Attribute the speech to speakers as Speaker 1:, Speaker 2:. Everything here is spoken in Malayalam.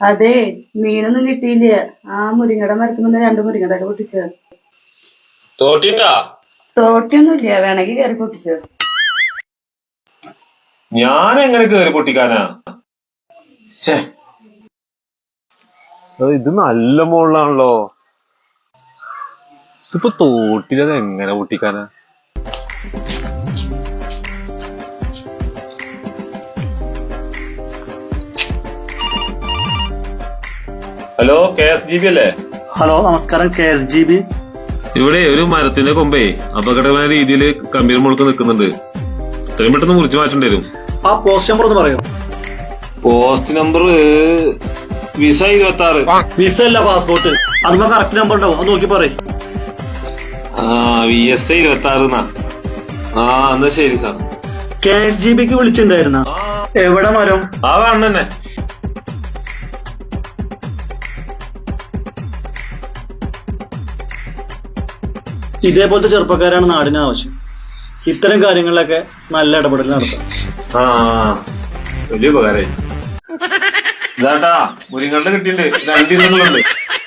Speaker 1: അതെ, മീനൊന്നും കിട്ടിയില്ല. ആ മുരിങ്ങയുടെ മരത്തുമെന്ന് 2 മുരിങ്ങടൊക്കെ പൊട്ടിച്ചു.
Speaker 2: തോട്ടിണ്ടാ?
Speaker 1: തോട്ടിയൊന്നുമില്ല, വേണമെങ്കിൽ കയറി പൊട്ടിച്ചു.
Speaker 2: ഞാൻ എങ്ങനെ കേറി പൊട്ടിക്കാനാ?
Speaker 3: ഇത് നല്ല മുകളിലാണല്ലോ. ഇതിപ്പോ തോട്ടിലത് എങ്ങനെ പൊട്ടിക്കാനാ?
Speaker 2: ഹലോ, KSGB അല്ലേ?
Speaker 4: ഹലോ, നമസ്കാരം. KSGB.
Speaker 2: ഇവിടെ ഒരു മരത്തിന്റെ കൊമ്പേ അപകടമായ രീതിയിൽ കമ്പീർ മുഴുക്ക് നിൽക്കുന്നുണ്ട്. ഇത്രയും പെട്ടെന്ന് മുറിച്ചു മാറ്റേണ്ടി വരും.
Speaker 4: ആ പോസ്റ്റ് നമ്പർ ഒന്ന് പറയോ?
Speaker 2: Post number visa 26.
Speaker 4: വിസ അല്ല, പാസ്പോർട്ട്. അതിപ്പോ കറക്റ്റ് നമ്പർ ഉണ്ടാവും, അത് നോക്കി പറയും.
Speaker 2: VSA 26. എന്നാ ശരി സാർ.
Speaker 4: KSGBക്ക് വിളിച്ചിട്ടുണ്ടായിരുന്ന എവിടെ മരം?
Speaker 2: ആ വേണം തന്നെ.
Speaker 4: ഇതേപോലത്തെ ചെറുപ്പക്കാരാണ് നാടിന് ആവശ്യം. ഇത്തരം കാര്യങ്ങളിലൊക്കെ നല്ല ഇടപെടൽ നടത്താം.
Speaker 2: വലിയ ഉപകാരമായി. ഇതാട്ടാ മുരിങ്ങളുടെ കിട്ടിയിട്ടുണ്ട്. 2 ദിവസങ്ങളുണ്ട്.